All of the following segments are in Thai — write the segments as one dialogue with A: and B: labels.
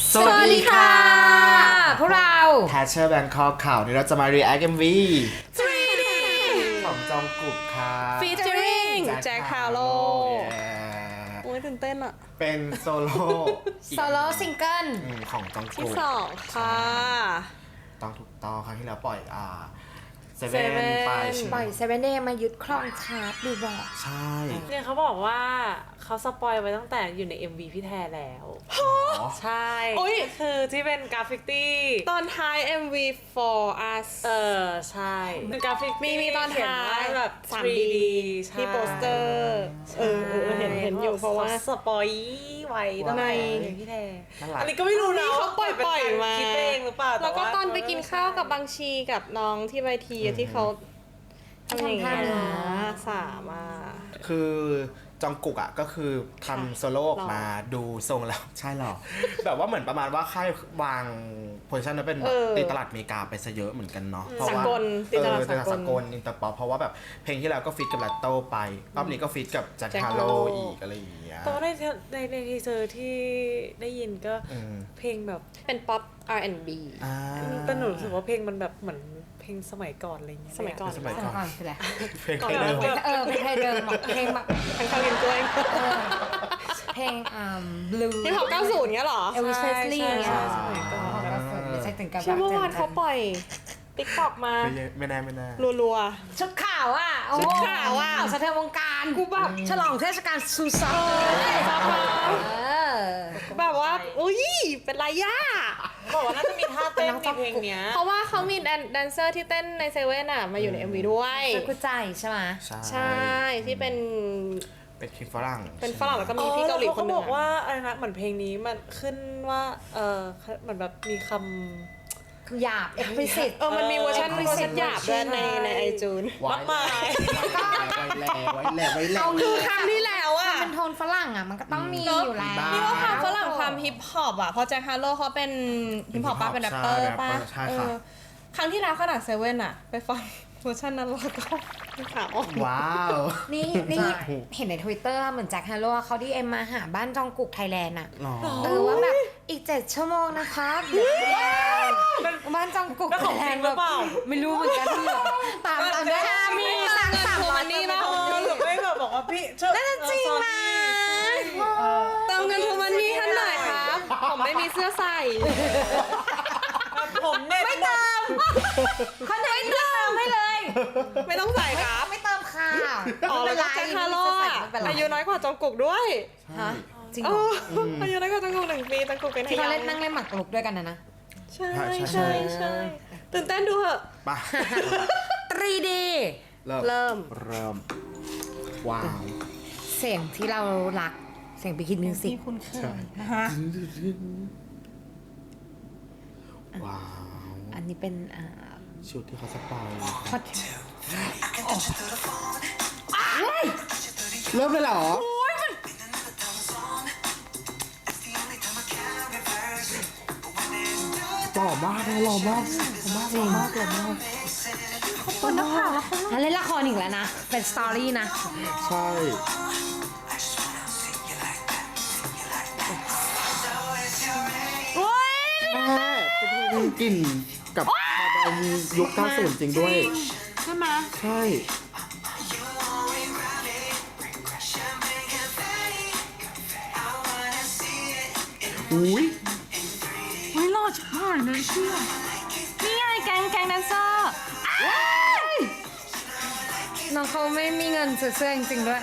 A: สวัสดีค่ะพวกเรา
B: Thatcher Bangkok ข่าวนี้เราจะมา react MV
A: 3D
B: ของจองกุกค่ะ
A: featuring แจ็คฮาโล
C: โอ้ยตื่นเต้นอะ
B: เป็นโซโล่
A: โซโล่ซิงเกิล
B: ของจอง
C: ที่
B: กุก
C: 2ค่ะ
B: ต้องถูกต้องครั้งที่แล้วปล่อยเซ
C: Seven
B: เว่นไปใช่ไห
A: ป
B: ม
A: ล่อยเซเว่นเดย์มายึดครองชาร์ตดูบอก
B: ใช่
D: เนี่ยเขาบอกว่าเขาสปอยไว้ตั้งแต่อยู่ใน MV พี่แทแล้ว ใช่
C: โอ้ย
D: คือที่เป็นกราฟิกตี้
C: ตอนท้าย MV for us
D: ใช่เป็นกราฟิก
C: มีตอน
D: เขียน
C: ท้า
D: ว่ายแบบ
C: 3D
D: ใช่
C: ที่โปสเตอร์เห็นอยู่เพราะว่า
D: สปอยไว้ตั้งแต่
C: ใน
D: พี่แท
B: น่ารัก
D: อันนี้ก็ไม่รู้นะ
C: เขาปล่อยมา
D: คิดเองหรือเปล่า
C: แล้วก็
D: า
C: ตอนไปกินข้าวกับบางชีกับน้องที่ไวทีที่เขาทำอย่างเงี้ยสามอ่ะ
B: คือจองกุกก็คือทำโซโล่ออกมาดูทรงแล้ว ใช่หรอ แบบว่าเหมือนประมาณว่าค่ายวางโพซิชันนั้นเป็นแบบตีตลาดอเมริกาไปซะเยอะเหมือนกันเนาะเพราะว่า
C: สากลตีตลาด
B: ตีตลาด
C: สา
B: สาก ก
C: ล
B: ลอินเตอร์ป๊อปเพราะว่าแบบเพลงที่แล้วก็ฟีดกับลัตโต้ไปรอบนี้ก็ฟีดกับแจ็ค
C: Jack
B: ฮาโล
C: Harlow
B: อีกอะไรอย่างเงี้ย
D: แต่ว่าในทีเซอร์ที่ได้ยินก็
B: อืม
D: เพลงแบบ
C: เป็น pop R&B
B: อ่า
D: แต่หนูรู้สึกว่าเพลงมันแบบเหมืมือนเพลงสมัยก่อนอะไรเงี้ย
C: สมัยก่อน
B: สมัย
A: สมัยก่อนคืออะไร
B: เพลงใครเดิม
A: เพลงไทยเดิมเพลงแบบ
C: เป็นข้าวกินกล้วย
A: เพลงบลู
C: ที่เขา90เงี้ยเหรอ
A: เอลวิสเพสลีย์เงี้ย
D: สมัยก่อน
A: ไม่ใช่ถึงกับ
C: เชื่อเมื่อวานเขาปล่อย TikTok มา
B: ไม่แน่
C: รัว
A: ชุดขาวอ่ะ
C: ชุดขาวอะ
A: สะเทือนวงการกูแบบฉลองเทศกาลซูซาน
C: ๆแบบว่า อุ้ย เป็นไรย่า
D: บอกว่าน่าจะมีท่าเต้นในเพลงเนี้ย
C: เพราะว่าเขามีแดนเซอร์ที่เต้นในเซเว่นอะมาอยู่ใน MV ด้วย
A: เจ้ากุใจใช่ไหม
C: ใช่ ที่เป็น
B: เป็นคลิปฝรั่ง
C: เป็นฝรั่งแล้วก็มีพี่เกาหลีคนหนึ่
D: บ
C: ง
D: อกว่าอะไรนะเหมือนเพลงนี้มันขึ้นว่าเหมือนแบบมีค
A: คือหยาบ explicit
C: มันมีเวอร์ชันหยาบด้วยในไอจูน
B: ไว้แหล่
C: คือครั้งที่แล้วอะ
A: เป็นโทนฝรั่งอ่ะมันก็ต้องมีอยู่แล้ว
B: บ้า
C: นี่ว่าความฝรั่งความฮิปฮอปอะเพราะแจ็คฮาร์โลเขาเป็นฮิปฮอปป้าเป็นแรปเปอร์ป้า
B: ใช่ค่ะ
C: ครั้งที่แล้วขนาดเซเว่นอะไปฟังเวอร์ชันนั้นแล้วก็ขาว
B: ว้าว
A: นี่เห็นใน Twitter เหมือนแจ็คฮาโลเขาดีเอ็มมาหาบ้านจองกุกไทยแลนด์อ่ะ
B: หรอ
A: ว่าแบบอีก7 ชั่วโมงนะคะบ้านจองกุก
D: ำแล้วของจริงหรือเปล่า
A: ไม่รู้เหมือนกันตามด้วยมีสั่ง300นี่นะ
D: หรือไม่แบบบอกว่าพี่น่าจะจริงนะ
C: ๆเติมเงินทุกวันนี้ท่านหน่อยครับ ผมไม่มีเสื้อใส่
D: ผมเนี่ยไม่เติม
A: คนไหนไม่เติมให้เลย
C: ไม่ต้องใส่ครับ
A: ไม่เติมค่ะ
C: อ๋อแล้วก็แจ็คฮาร์โลอะอายุน้อยกว่าจองกุกด้วย
A: ฮะจริงเห
C: เอ
A: รอ
C: อายุน้อยกว่าจองกุก1 ปีจองกุกเป็น
A: ที่เขา
C: ไฮ
A: เล่นนั่งเล่นหมากรุกด้วยกันนะ
C: ใช่ใช่ตื่นเต้นดูเหอะ
B: ไป
A: 3D
C: เริ่ม
B: ว้าว
A: เสียงที่เรารักเสียงบิกินมิวสิก
C: คุณเคย
B: ว้าว
A: อันนี้เป็น
B: ชุดที่เขาสปอย
A: ฮอต
B: เริ่มเลยเหรอหล่อมากหล่อมาก
A: คนนักข่าวเล่นละครอีกแล้วนะ เป็นสตอรี่นะ
B: ใช่แม่เป็นเพลงกลิ่นกับมาดามยุค90จริงด้วย
D: ใช่ไหม
B: ใช่ อุ้ย
D: ไม่รอดชิบหายเลยเชื่อนี่ไงแกงแดนเซอร์
A: น้องเขาไม่มีเงินซื้อเสื้อจริงๆด้วย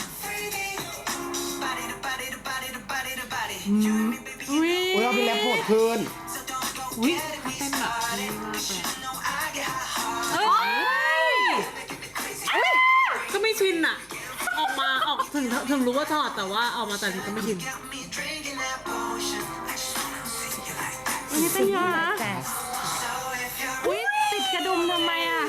D: อุ้ย
B: อุ้ยเราเป็นแรปโหดขึ้น
D: อุ้ยเขาเต้นแบบดีมากเลยก็ไม่ชินอะออกถึงรู้ว่าถอดแต่ว่าออกมาแต่ก็ไม่ชินอันนี้เป็นยา
A: แจ๊ส
D: อุ้ยติดกระดุมทำไมอะ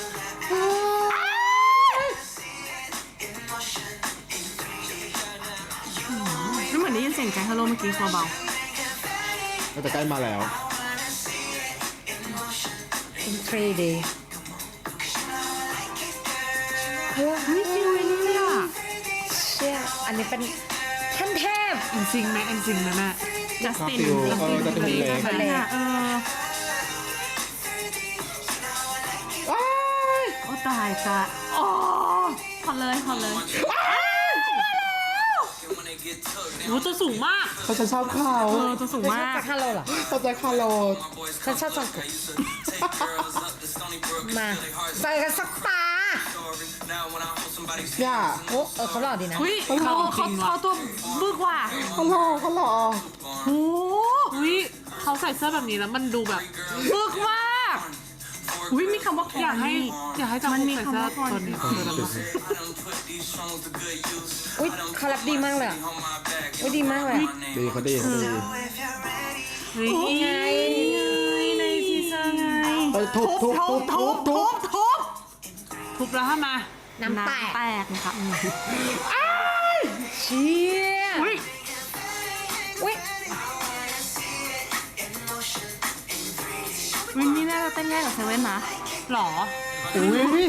D: ไม่เหมือนได้ยินเสียงแจ็คฮัลโหลเมื่อกี้เบา
B: แต่ใกล้มาแล้ว
A: เป็น 3D
D: ไม่ฟิลเลยอ่ะ
A: เชี่ยอันนี้เป็นขั้นเทพ
D: เอ็นซิงไหมแม่
E: จัสติน
B: ฟิลจะเป็นเล็ก
E: แบบนั้นโอ้ตายตายอ๋อพอเลย
D: โอ้ตัวสูงมาก
B: เขาจะชอบเขา
E: ตัวสูง
A: ชอบ
E: มาก
A: แจ็คฮาโลเหรอ
B: เขาจะคาโล
A: ฉันชอบจองกุกมาใส่กันสักตา
B: เนี่ย
A: โอ้เขาหล่อดีนะ
E: อุ้ยเขาตัวบึกว่ะ
B: เขาหล่อ
E: โอ้
D: อุ้ยเขาใส่เสื้อแบบนี้แล้วมันดูแบบ
E: บึกมากอุ้ยมีคำว่าคอ
D: อยากให้
E: นี่
D: จำ
E: มันมี
D: ใส่เสื้อ
E: คำว่า
D: ตัวนี้ตัวนั้นมา
A: อุ้ยเขาแรปดีมากเลยอะอุ้ยดีมากเลยอะ
B: ดีเขาดี
D: เฮ้ย
A: ไง
E: ในทีเซอร์ไง
B: ไปทุบ
D: ทุบแล้วทำไม
A: น้ำแตก
E: แตกนะคะ
A: เชี่ย
E: อุ้ย
A: อุ้ย
E: วินนี่น่าจะเต้นแย่กับเซเว่นนะ
D: หรอ
B: อุ้ย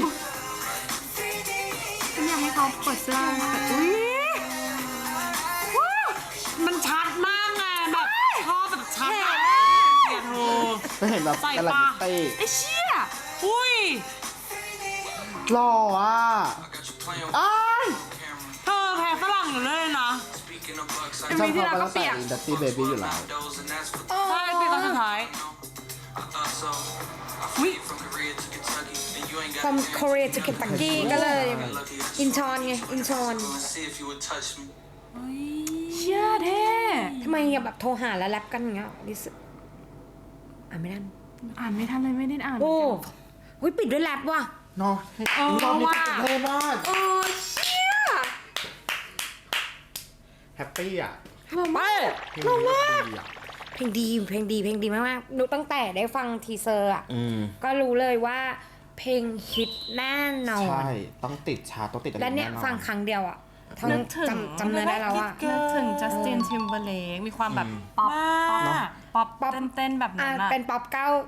E: ฉันอยากให้เขาเปิดเสื้อแต่อุ้ย
D: มันชัดมากไงแบบชอบแบบชัดอะอย่าโทร
B: ไม่เห็นแบบ
D: ใส่
B: กำลัง
D: ปะ
B: เต้
E: ไอ้เชี่ย
D: อุ้ย
B: หล่ออ่ะอ้าย
D: เธอแพ้ฝรั่งอยู่เลยนะ
E: เอ็มวีที่เราก็เปียก
B: ดัตตี้เบบี้อยู่แล้ว
D: ใช่เป็นตอนสุดท้าย
E: อุ้ย
A: from Korea to Kentucky ก็เลยอินชอนไงอินชอน
E: เชี่ยเท่
A: ทำไมอย่าแบบโทรหาแล้วแรปกันอย่างเงี้ยดิสไม่ได้
E: อ่านไม่ทันเลยไม่ได้อ่าน
A: โอ้หุยปิดด้วยแรปว่ะ
B: เนาะรอบนี้เท่มาก
A: โอ้เชี่ย
B: แฮปปี้อ่ะ
A: เรามาก
B: เพลงนี้ดีอ่ะ
A: เพลงดีมากๆหนูตั้งแต่ได้ฟังทีเซอร์อ่ะ ก็รู้เลยว่าเพลงฮิตแน่นอน
B: ใช่ต้องติดชาร์ตต้องติดอะไร
A: และเนี่ย
B: แอ
A: ฟังครั้งเดียวอ่ะทั้ง
E: นึกถึง
A: จำเนื้อได้แล้วอ่ะ
E: นึกถึงจัสตินทิมเบอร์เลกมีความแบบป๊อป
D: มาก
E: ป๊อป
A: ป๊อป
E: เต้นๆแบบนั้นอะ
A: เป็นป๊อป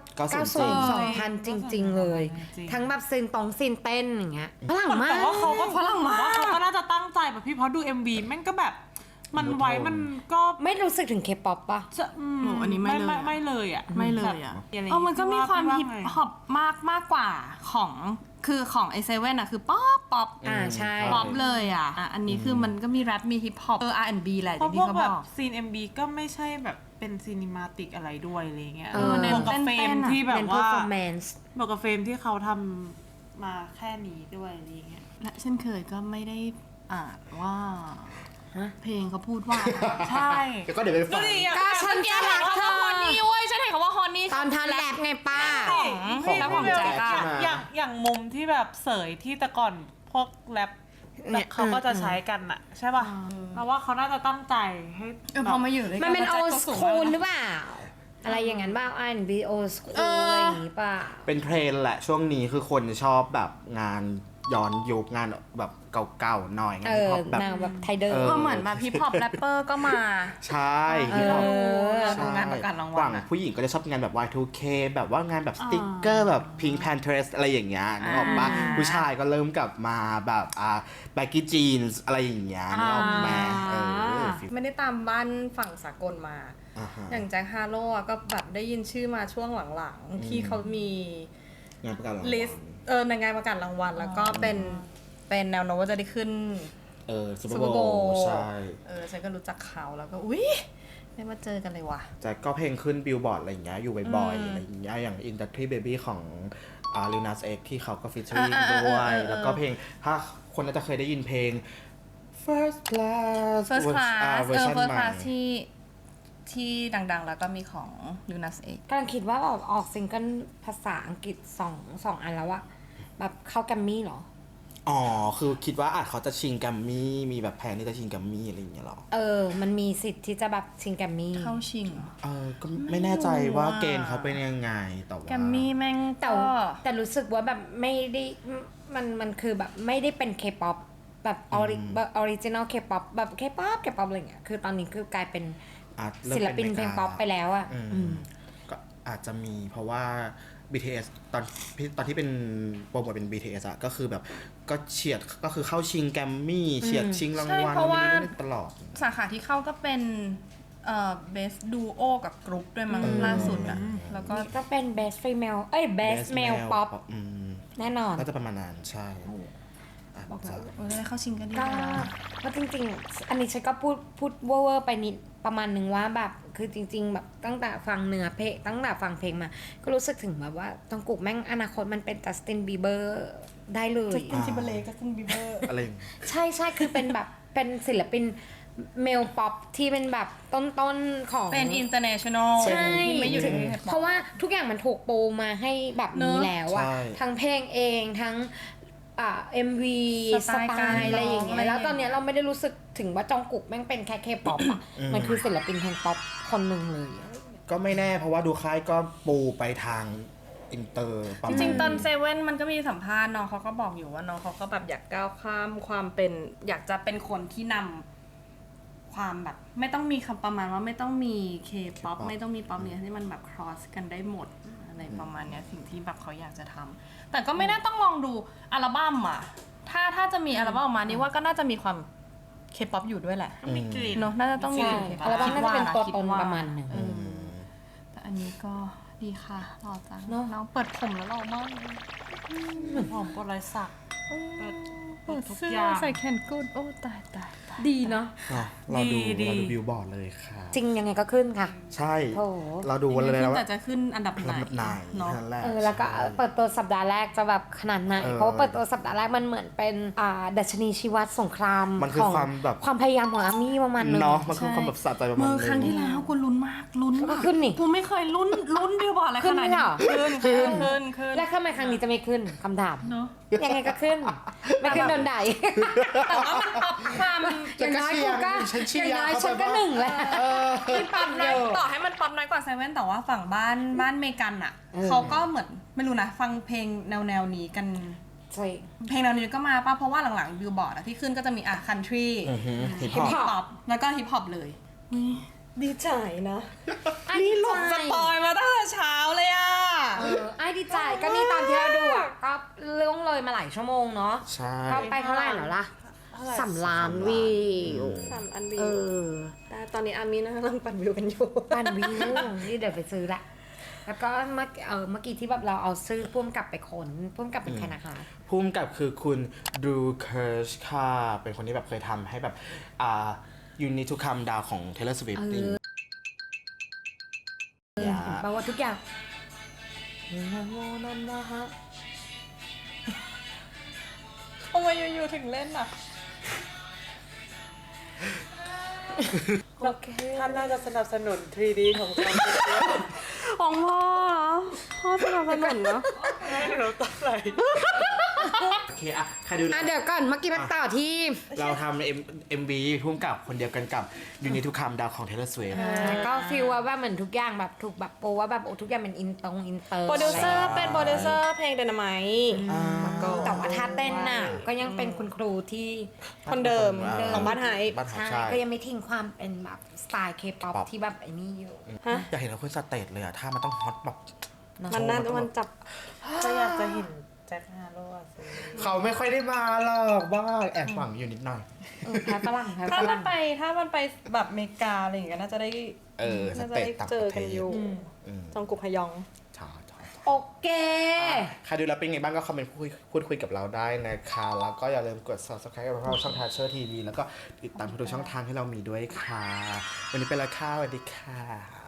A: 90 2000 จริง ๆ เลย
D: จริง
A: ทั้งแบบซีนเต้นอย่างเงี้ยฝรั่งมาก
D: แต่ว่าเขาก็
E: ฝรั่งมาก
D: ว่าเขาก็น่าจะตั้งใจแบบพี่เพราะดู MV แม่งก็แบบ มันไว้มันก็
A: ไม่รู้สึกถึงเคป๊อปป่ะ
D: จะ
E: โอ้อันนี้ไม่เลยอะ
D: ไม่เลยอ่ะ
E: ไม่เลยอ่ะ
D: แบบอะไร
E: มันก็มีความ
D: พี่
E: ฮิป
D: ไง
E: ฮอปมากกว่าของคือของไอเซเว่นอะคือป๊อป
A: ใช่
E: ป๊อปเลยอ่ะอันนี้คือมันก็มีแรปมีฮิปฮอปR&B แหละ
D: เพราะ
E: ที่
D: พวก
E: เขา
D: แบบ
E: อบ ก
D: ซีน MV ก็ไม่ใช่แบบเป็นซีนิมาติกอะไรด้วยอะไรเงี้ย
E: เน้น
D: บวกกับเฟรม
E: เต้นๆอะ
D: ที่แบบ
A: เป็น
D: ว่า
A: performance
D: บวกกับเฟรมที่เขาทำมาแค่นี้ด้วยอะไรเงี้ย
E: และเช่นเคยก็ไม่ได้อ่านว่า
A: ฮะ
E: เพลงเขาพูดว่า
D: ใช่
B: ก็เดี๋ยวไปฟัง
A: ก็ฉันจะรักเธอ
E: ฮอนนี่เว้ยฉันเห็นคำว่าฮอนนี่
A: ตอนทันแรปไงป้า
B: ของ
E: แล้วของแจ็คอะ
B: ใช่ไหม
D: อย่างมุมที่แบบเสยที่แต่ก่อนพวกแรป
A: เนี่ย
D: เขาก็จะใช้กันอะใช่ป่ะเราว่าเขาน่าจะตั้งใจให้
E: พอมาอยู่ด้วยกั
A: มันเป็น
E: แล้ว
A: old
E: แจ็คก็สูง
A: school ห
E: มาก
A: รือเปล่า อะไรอย่างนั้นบ้าง R&B old school อะไรอย่างงี้ป่ะ
B: เป็นเทรนด์แหละช่วงนี้คือคนชอบแบบงานย้อนยุคงานแบบเก่าๆหน่อยงานฮิปฮอปแบบ
A: นางแบบไทยเดิม
E: ก็เหมือนแบบฮิปฮอปแรปเปอร์ก็มา
B: ใช่ฮิปฮอป
E: เราดู
B: ใช่
E: งานประกาศรางวั
B: ฝั่
E: ล
B: ง
E: อะ
B: ผู้หญิงก็จะชอบงานแบบ Y2K แบบว่างานแบบสติ๊กเกอร์แบบ Pink Panthers อะไรอย่างเงี้ยนึกออกปะผู้ชายก็เริ่มกลับมาแบบbaggy jeans อะไรอย่างเงี้ยนึกออกไหมฟิล
C: ไม่ได้ตามบ้านฝั่งสากลมา
B: อ่าฮะ
C: อย่างแจ็คฮาโลอะก็แบบได้ยินชื่อมาช่วงหลังๆ ที่เขามี
B: งานประกาศรางวัล
C: ลิสต์ในงานประกาศรางวัล แล้วก็เป็นแนวโน้มว่าจะได้ขึ้น
B: ซูเปอ
C: Super
B: ร์โบ
C: Bowl
B: ใช่
C: ฉันก็รู้จักเขาแล้วก็อุ๊ยได้มาเจอกันเลยว่ะ
B: แต่ก็เพลงขึ้นบิลบอร์ดอะไรอย่างเงี้ยอยู่บ่อยๆอะไรอย่างเงี้ยอย่าง Industry Baby ของLil Nas X ที่เขาก็ฟีเจอริ่งด้วย แล้วก็เพลงถ้าคนน่าจะเคยได้ยินเพลง First Class
E: First Class
B: เวอร์ชัน
E: First
B: ใหม่
E: Class ที่ดังๆ แล้วก็มีของ Lunas X
A: กำลังคิดว่าออกซิงเกิลภาษาอังกฤษสองอันแล้วอะแบบเข้าแกรมมี่เหรอ
B: อ๋อ คือคิดว่าอาจเขาจะชิงแกัมมี่ มีแบบแผนที่จะชิงแกัมมี่อะไรอย่างเงี้ยหรอ
A: มันมีสิทธิ์ที่จะแบบชิงแกรมมี่
E: เข้าชิงเหรอ
B: ก็ไม่แน่ใจว่าเกณฑ์เขาเป็นยังไง แต่ว่า
E: แกมมี่แม่ง
A: แต่
E: ก็
A: แต่รู้สึกว่าแบบไม่ได้มันคือแบบไม่ได้เป็นเคป๊อปแบบออริจินอลเคป๊อปแบบเคป๊อปอะไรเงี้ยคือตอนนี้คือกลายเป็น
B: เริ่ม
A: ศิลปิน
B: ป็
A: เพลงป๊อปไปแล้วอะ
B: ก็อาจจะมีเพราะว่า BTS ตอนที่เป็นโปรโมทเป็น BTS อะก็คือแบบก็เฉียดก็คือเข้าชิงแกรมมี่เฉียดชิงรางวัล
E: ใช่เพราะว่า
B: ตลอด
E: สาขาที่เข้าก็เป็น
F: เบสดูโอกับกรุ๊ปด้วยมั้งล่าสุดอ่ะแล้วก็
A: ก็เป็น best female best male pop แน่นอน
B: น่าจะประมาณนั้นใช่บอกจะ
F: ได้เข้าชิงก็ดี
A: ก็
F: นะ
A: ก็จริงๆ อันนี้ฉันก็พูดเวอร์ๆไปนิดประมาณหนึ่งว่าแบบคือจริง ๆ แบบตั้งแต่ฟังเนื้อเพลงตั้งแต่ฟังเพลงมา ก็รู้สึกถึงแบบว่าจองกุกแม่งอนาคตมันเป็นจัสตินบีเบอร์ได้เลย
F: จัสตินทิมเบอร์เลย์จัสตินบีเบอร์
B: อะไรอย่างงี้
A: ใช่คือเป็นแบบเป็นศิลปินเมลป๊อปที่เป็นแบบต้นๆของ
F: เป็น international
A: ใช่
F: ที่ไม่อยู่ใน
A: เพราะว่าทุกอย่างมันถูกปูมาให้แบบนี้แล้วอะ
B: ใช่
A: ทั้งเพลงเองทั้งMV สไตล์อะไรอย่างเงี้ยแล้วตอนเนี้ยเราไม่ได้รู้สึกถึงว่าจองกุกแม่งเป็นแค่เคป๊อปอะมันคือศิลปินเพลงป๊อปคนหนึ่งเลย
B: ก็ไม่แน่เพราะว่าดูค่ายก็ปูไปทางอินเตอร์ประ
F: จ
B: มาณ
F: ริงๆตอนเซเว่นมันก็มีสัมภาษณ์น้องเขาก็บอกอยู่ว่าน้องเขาก็แบบอยากก้าวข้ามความเป็นอยากจะเป็นคนที่นำความแบบไม่ต้องมีคำประมาณว่าไม่ต้องมีเคป๊อปไม่ต้องมีป๊อปเนี้ยที่มันแบบ cross กันได้หมดอะไรประมาณเนี้ยสิ่งที่แบบเขาอยากจะทำแต่ก็ไม่น่าต้องลองดูอัลบั้มอ่ะถ้าจะมีอัลบั้มออกมานี่ว่าก็น่าจะมีความเคป๊อปอยู่ด้วยแหละ
D: มีกลิ่น
F: เนาะน่าจะต้องมี
A: ใช่
F: K-pop
A: อัลบั้มน่าจะเป็นตัวตน
F: คิดว่า
A: ประมาณหนึ่ง
F: แต่อันนี้ก็ดีค่ะหล่อจัง
A: เนอะ
F: น้องเปิดผมแล้วหล่อมากเลย
D: เหมือนหอมโปรยสักเปิด
F: เปิด
D: ทุก
F: เสื้อ
D: อย่าง
F: ใส่แขนกุดโอ้ตาย
A: ดีเนาะ
B: เนาะเราดู
D: ดี
B: เราดูบิลบอร์ดเลยค่ะ
A: จริงยังไงก็ขึ้นค่ะ
B: ใช่
A: โถ
B: เราดูกันเลย
F: ขึ้
B: นะ
F: นแต่
B: ว่า
F: จะขึ้นอันดับไหน
B: ลำดับไหน
F: เนาะ
B: นั่นแหละ
A: แล้วก็เปิดตัวสัปดาห์แรกจะแบบขนาดไหน เพราะว่าเปิดตัวสัปดาห์แรกมันเหมือนเป็นดัชนีชีวัดสงคราม
B: มันคือ
A: ของ
B: ความแบบ
A: ความพยายามของอาร์มี่ประมาณหนึง
B: เนาะมันคือความแบบสะใจประมาณ
F: เมื่อ
B: นึ
F: ครั้งที่แล้วกูลุ้นมากลุ้น
A: ก็
F: มาก
A: ขึ้นนี่
F: กูไม่เคยลุ้นบิลบอร์ดอะไร
A: ขึ้
F: ข
A: น
F: นาด
A: ไม่
F: นี้
A: เหรอ
F: ขึ้น
A: แล้วทำไมครั้งนี้จะไม่ขึ้นคำถาม
F: เนาะ
A: ยังไงก็ขึ้น ไม่ขึ้นโดนด่า
F: แต่ว่ามันปรับความ
A: อย่างน้อยกูก็
B: ฉันเชี
A: อย ย่าง
B: ร์
A: น้อย
B: เข้า
A: ฉัน
B: ไป
A: ก็
B: ว่า
A: หนึ่งแล้ว
F: ที่ปั๊มน้อยต่อให้มันปั๊มน้อยกว่าเซเว่นแต่ว่าฝั่งบ้านเมกันอ่ะเขาก็เหมือนไม่รู้นะฟังเพลงแนวนี้กัน
A: ใช่
F: เพลงแนวนี้ก็มาป่ะเพราะว่าหลังๆบิลบอร์ดที่ขึ้นก็จะมีคันทรี
B: ฮิป
F: ฮิ
B: ฮ
F: ป
B: อป
F: ฮอปแล้วก็ฮิปฮอปเลย
C: ดีใจนะ
A: นี่หลบ
F: สปอยมาตั้งแต่เช้าเลยอ่ะ
A: ไอ้ดีใจก็นี่ตามที่เราดูอ่ะก็ล่วงเลยมาหลายชั่วโมงเนาะ
B: ใช่
A: ก็ไปเท่าไหร่แล้วล่ะ3 ล้านวิว
C: 3 อันวิ
A: เอ
C: ว
A: อ
C: แต่ตอนนี้อามีนะกำลังปั่นวิวกันอยู่
A: ปั่นวิวนี่เดี๋ยวไปซื้อละ แล้วก็เมื่อกี้ที่แบบเราเอาซื้อพุ่มกลับไปขนพุ่มกลับเป็นใครนะคะ
B: ภูมิกับคือคุณดูเคิร์ชค่ะ เป็นคนที่แบบเคยทำให้แบบYou Need to Calm Down ของ Taylor Swift นี่
A: แปลว่าทุกอย่างนะโมนันนะฮะ
F: ทำไมอยู่ๆถึงเล่นอ่ะ
A: โอเค
D: ท่านน่าจะสนับสนุน 3D ของเรา
C: ของพ่อเหรอ พ่อสนับสนุนเนาะ
D: ไม่รู้ตอนไหน
B: โอเคอะใครดู
A: เดี๋ยวก่อนเมื่อกี้มาต่อที่
B: เราทำ MV พุ่มกับคนเดียวกันกับ You Need to Calm Down ของ Taylor Swift
A: ก็ฟีลว่าเหมือนทุกอย่างแบบถูกแบบโปรว่าแบบทุกอย่างเป็นอินเตอร์
C: โปรดิวเซอร์เป็นโปรดิวเซอร์เพลง Dynamite
A: แต่ว่าท่าเต้นน่ะก็ยังเป็นคุณครูที่
C: คนเดิมของบ้านไฮ
B: บ้านไฮ
A: ใช่
B: ใช่
A: ก็ยังไม่ทิ้งความเป็นแบบสไตล์เคป๊อปที่แบบไอ้นี่อยู่
C: ฮะ
B: อยากเห็นเราขึ้นสเตจเลยอะถ้ามันต้องฮอตแบบ
C: มันน่ามันจับ
D: ก็อยากจะเห็นแจ็คฮาโร่อะสิ
B: เขาไม่ค่อยได้มาหรอกบ้าแอบหวังอยู่นิดหน่อย
A: แพ้ฝรั่งแพ้
F: ถ้า
A: ฝ
F: มั
A: รั่
F: น
A: ง
F: ไปแบบอเมริกาอะไรอย่างเงี้ยน่าจะได้
B: ส
C: น่าจะ
B: เตจ
C: ได้
B: ต่าง
C: เจ
B: ป
C: อ
B: ระเท
C: กัน
B: ศ
C: อยู่ จองกุกฮยอง
B: ใช่
A: โอเค
B: ใครดูแล้วเป็นไงบ้างก็คอมเมนต์พูดคุยกับเราได้นะคะ แล้วก็อย่าลืมกด subscribe กับเราช่อง Thatcher TV แล้วก็ติดตามทุกช่องทางที่เรามีด้วยค่ะ วันนี้เป็นละค่ะสวัสดีค่ะ